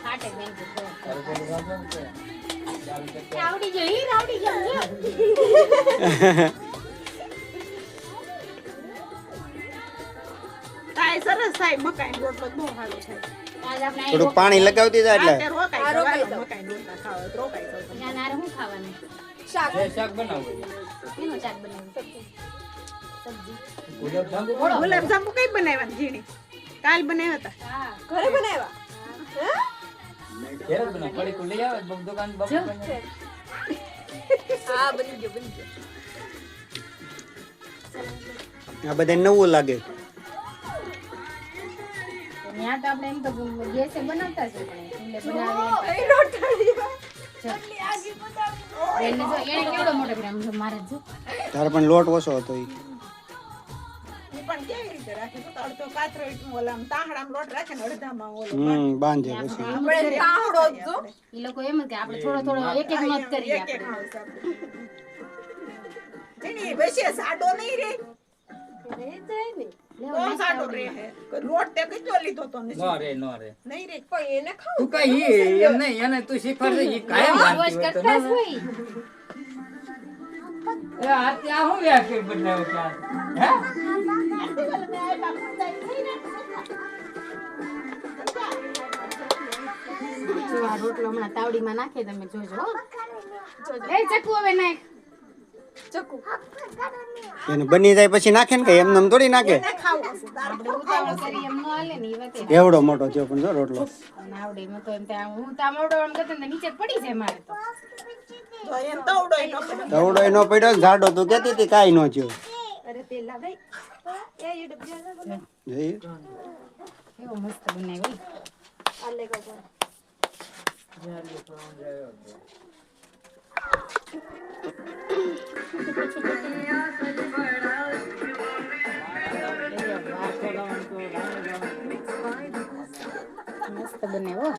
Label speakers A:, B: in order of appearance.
A: કાટે બેન કે આવડી ગઈ આવડી ગઈ
B: કાય સરસ થાય મકાઈ રોટલો બહુ સારો થાય
A: આજ આપણે
C: થોડું પાણી લગાવતી જાય એટલે
B: રોકાઈ જાવ મકાઈ રોટલા ખાવ રોકાઈ જાવ
A: ના ના હું ખાવાનું
D: શાક
E: બનાવો
A: એનો શાક બનાવ્યું સબ્જી
B: ગુલાબજાંબુ કઈ બનાવ્યા ઝીણી કાલ બનાવ્યા હતા
A: હા
D: ઘરે બનાવ્યા
E: ઘેર બના પડી કો લઈ આવે દુકાન બાપુ
D: હા બની ગયો
C: આ બધા નવું લાગે
A: ત્યાં તો આપણે એમ તો ગેસે બનાવતા છે પણ એટલે બનાવે
D: એ રોટલી
A: એને જો એને કેવડો મોટો કર્યો આમ મારે જો
C: તારે પણ લોટ ઓછો હતો ઈ
B: ઈ પણ કેવી રીતે રાખે તો અડધો કાતરો ઓલામ તાહડામાં લોટ રાખે ને અડધામાં ઓલો
C: બાંધે પછી
D: આપણે તાહડો જો
A: ઈ લોકો એમ જ કે આપણે થોડો થોડો એક એક મત કરીએ
B: એક એક
A: આપણે
B: માણસ આપણે ઝીણી વચ્ચે સાડો નહીં રે બહુ સાડો રે હે લોટ તે કેટલો લીધો તો ને
E: નો રે
B: નહીં રે
D: કોઈ એને ખાવ
E: તું કઈ એમ નહીં એને તું શીખવાડે ઈ કાયમ
A: રોજ
E: વાંચતી હોય તો
A: કરતા જ
E: ના
A: હોય
E: એ આ ત્યાં હું વ્યાખ્યા બદલાયો ત્યાં હે
A: જો આ રોટલો હમણાં તાવડીમાં નાખે તમે જોજો હો. એ ચકુ હવે નાખ
D: ચકુ
C: એને બની જાય પછી નાખે ને કે એમને થોડી નાખે
A: આપણે ઉતાવળ કરી એમ ન હાલે ને ઈ વાતે
C: એવડો મોટો થયો પણ જો રોટલો
A: નાવડે મેં તો એમ ત્યાં હું તામડો આમ કરતો ને નીચે જ પડી જાય મારે તો
B: તો એમ તવડોય ન પડે
C: તવડો એનો પડ્યો ને જાડો તું કહેતી હતી કાંઈ ન થયો
D: અરે પેલા ભાઈ એ યુ ડબ્લ્યુ
C: જોઈ
A: કેવો મસ્ત બનાવ્યો
D: આ લે ગો
A: મસ્ત બનાવ્યો